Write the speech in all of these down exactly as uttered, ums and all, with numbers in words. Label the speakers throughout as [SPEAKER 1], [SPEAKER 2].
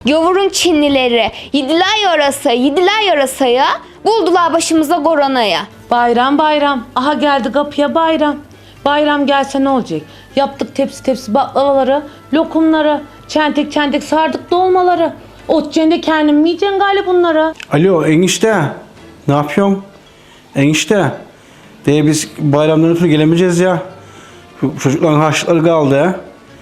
[SPEAKER 1] Gavurun Çinlileri yediler yarasa, yediler yarasaya, buldular başımıza koronaya.
[SPEAKER 2] Bayram bayram. Aha geldi kapıya bayram. Bayram gelse ne olacak? Yaptık tepsi tepsi baklavaları, lokumları, çentek çentek sardık dolmaları. Ot cende kendim mi yiyeceksin galiba bunları?
[SPEAKER 3] Alo enişte. Ne yapıyorsun? Enişte. De biz bayramdan ötürü gelemeyeceğiz ya. Şu çocukların harçlıkları kaldı ya.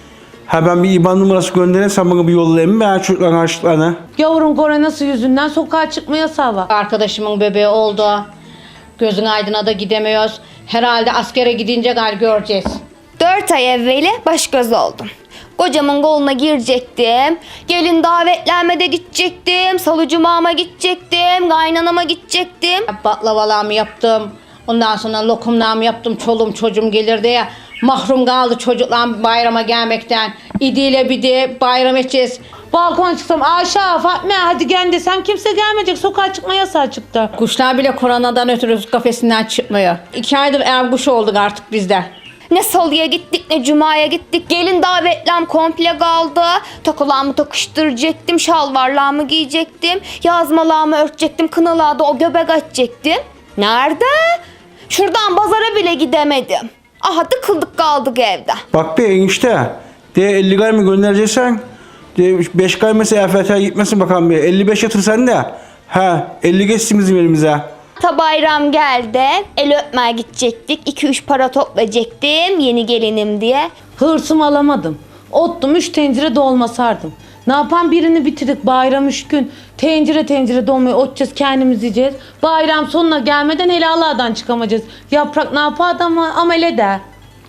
[SPEAKER 3] Ha ben bir IBAN numarası göndereyim, sen bana bir yollayayım mı ya çocukların harçlıklarını?
[SPEAKER 2] Gavurun koronası yüzünden sokağa çıkma yasağı var.
[SPEAKER 4] Arkadaşımın bebeği oldu. Gözün aydına da gidemiyoruz. Herhalde askere gidince gal göreceğiz.
[SPEAKER 1] Dört ay evveli baş göz oldum. Kocamın koluna girecektim. Gelin davetlenmede gidecektim. Salı cumama gidecektim. Kaynanama gidecektim.
[SPEAKER 4] Baklavalarımı yaptım. Ondan sonra lokumlarımı yaptım. Çoluğum çocuğum gelir diye. Mahrum kaldı çocuklar bayrama gelmekten. İdiyle bir de bayram edeceğiz.
[SPEAKER 2] Balkona çıksam Ayşe, Fatma hadi gel desem kimse gelmeyecek. Sokağa çıkma yasağı çıktı.
[SPEAKER 4] Kuşlar bile koronadan ötürü kafesinden çıkmıyor. İki aydır ev kuş olduk artık bizde.
[SPEAKER 1] Ne salıya gittik ne cumaya gittik. Gelin davetlem komple kaldı. Takılarımı takıştıracaktım. Şalvarlarımı giyecektim. Yazmalarımı örtecektim. Kınalarda o göbek açacaktım. Nerede? Şuradan pazara bile gidemedim. Aha tıkıldık kaldık evde.
[SPEAKER 3] Bak be enişte. De elli gay mı göndereceksen? De beş gay mesela E F T'ye gitmesin bakalım bir. elli beş yatırsan da. Ha elli geçsin bizim elimize.
[SPEAKER 1] Ta bayram geldi. El öpmeye gidecektik. iki üç para toplayacaktım. Yeni gelinim diye.
[SPEAKER 2] Hırsımı alamadım. Ottum üç tencere dolma sardım. Ne yapan birini bitirdik bayram üç gün. Tencere tencere dolmayı otacağız, kendimiz yiyeceğiz. Bayram sonuna gelmeden hele Allah'dan çıkamayacağız. Yaprak ne yapar adamı amele de.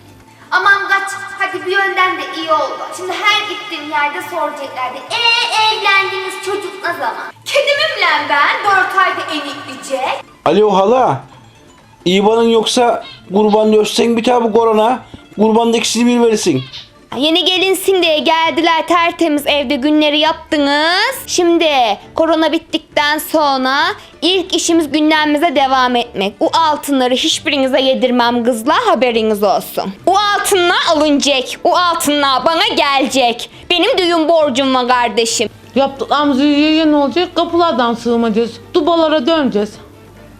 [SPEAKER 1] Aman kaç. Hadi bir yönden de iyi oldu. Şimdi her gittiğim yerde soracaklardı. Eee evlendiniz, çocuk ne zaman? Kedimimle ben dört ayda enikleyecek.
[SPEAKER 3] Alo hala. İBAN'ın yoksa kurbanı ölçsen bir tane bu korona. Kurbanda ikisini bir verirsin.
[SPEAKER 1] Yeni gelinsin diye geldiler, tertemiz evde günleri yaptınız. Şimdi korona bittikten sonra ilk işimiz gündemimize devam etmek. O altınları hiçbirinize yedirmem kızlar, haberiniz olsun. O altınlar alınacak. O altınlar bana gelecek. Benim düğün borcum var kardeşim.
[SPEAKER 2] Yaptıklarımızı yiye ne olacak? Kapılardan sığmayacağız. Dubalara döneceğiz.